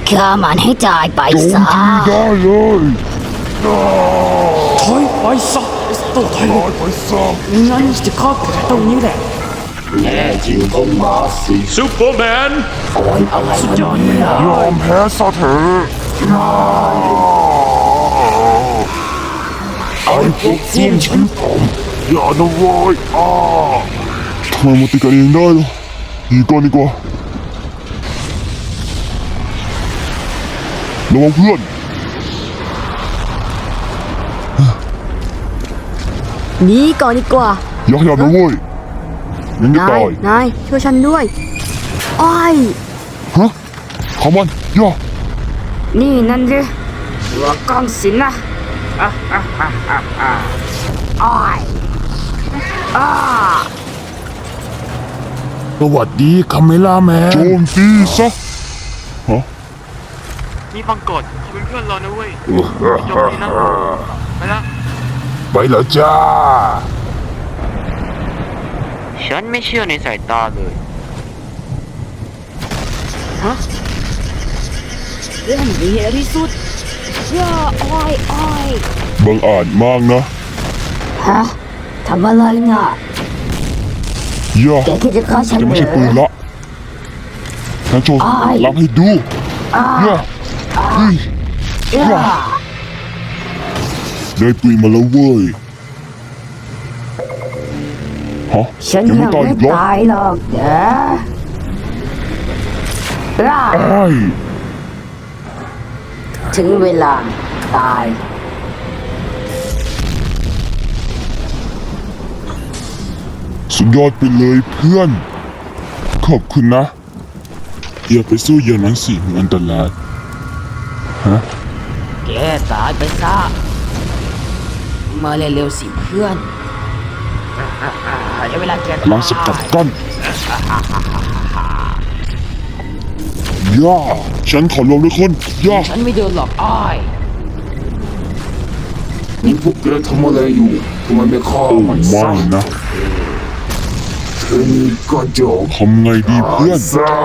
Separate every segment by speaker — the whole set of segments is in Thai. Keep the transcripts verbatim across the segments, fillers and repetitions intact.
Speaker 1: ฆ่ามันให้ตายไป
Speaker 2: โจม
Speaker 1: ซะ
Speaker 2: ตีได้เลยอ่า
Speaker 3: ถอยไปซะไอ้ตัวไทย
Speaker 2: ตายไปซะ
Speaker 3: งั้นจะฆ่าแกตรงนี้แหละ
Speaker 4: แน่จริงก็มาสิ
Speaker 3: ซูเปอร์แมน
Speaker 4: โอ้ยอะไร
Speaker 3: สุด
Speaker 4: มัน
Speaker 3: ยอดเลยนะ
Speaker 2: ยอมแพ้ซะเถอะไอ้พวกส้วมชั้นต่ำอย่านะเว้ยอ่าทำไมมันตีกันเองได้ล่ะหนีก่อนดีกว่าระวังเพื่อน
Speaker 5: หนีก่อนดีกว่า
Speaker 2: อย่าขยับนะเว้ยยังจะ
Speaker 5: นา
Speaker 2: ตาย ย
Speaker 5: นาย ช่วยฉันด้วย อ้อย
Speaker 2: ฮะเขามันย่า
Speaker 3: นี่นั่นดิหัวกองสินนะอ่ะอ่ะอ่ะอ่ะอ่ะอ้อยอ้า
Speaker 2: สวัสดีคาเมล่าแมนโจมตีซะฮะ
Speaker 6: นี่ฟังกดเพื่อนเพื่อนๆรอนะเว้ยจบนี้นะไปละ
Speaker 2: ไปแล้วจ้า
Speaker 6: ฉันไม่เชื่อในสายตาเลย
Speaker 1: เรื่องดีที่สุดย่าอ้อยอ้อย
Speaker 2: บังอาจมากนะ
Speaker 1: ฮะทำอะไรน่ะ
Speaker 2: ย่า
Speaker 1: แกคิดจะฆ่าฉัน
Speaker 2: จะ
Speaker 1: เหร
Speaker 2: ไม่ใช่ปืน
Speaker 1: อ
Speaker 2: ละฉันโชว์รับให้ดูย่าเฮ้ย
Speaker 1: ย่า
Speaker 2: ได้ปืนมาแล้วเว้ยฮะ
Speaker 1: ฉัน
Speaker 2: ยัง
Speaker 1: ยั
Speaker 2: ไม่
Speaker 1: ง
Speaker 2: ตาย
Speaker 1: ไม่
Speaker 2: อีกเหรอ
Speaker 1: ตายหรอกนะย่า
Speaker 2: ไอ้าย
Speaker 1: ถึงเวลาตาย
Speaker 2: สุดยอดไปเลยเพื่อน ขอบคุณนะ อย่าไปสู้อย่างนั้นสิมันอันตราย
Speaker 1: แกตายไปซะมาเร็วๆสิเพื่อนเดี๋ยวเวลาแก
Speaker 2: ลองสกัดกั้นย่าฉันขอรวมด้วยคนย่า
Speaker 1: ฉันไม่เดินหรอกอ้อย
Speaker 4: นี่พวกแกทำอะไรอยู่ทำไมไม่ฆ่า
Speaker 2: โอ้
Speaker 4: มัน
Speaker 2: ไม่
Speaker 4: ซะ
Speaker 2: นะ
Speaker 4: แค่นี้ก็จบ
Speaker 2: ทำไงดีเพื่อน
Speaker 4: ซะ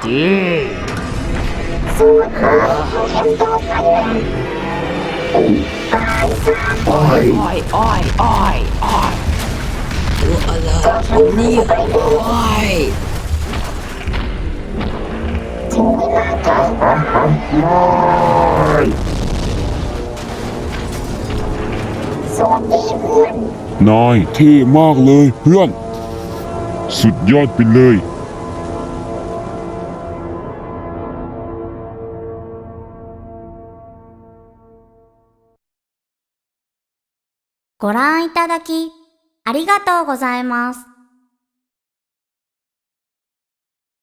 Speaker 1: อ้อยอ้อยอ้อยอ้อยตัวอะไรนี่อ้อย
Speaker 2: นายเท่มากเลยเพื่อน สุดยอดไปเลย
Speaker 7: ご覧いただき、ありがとうございます。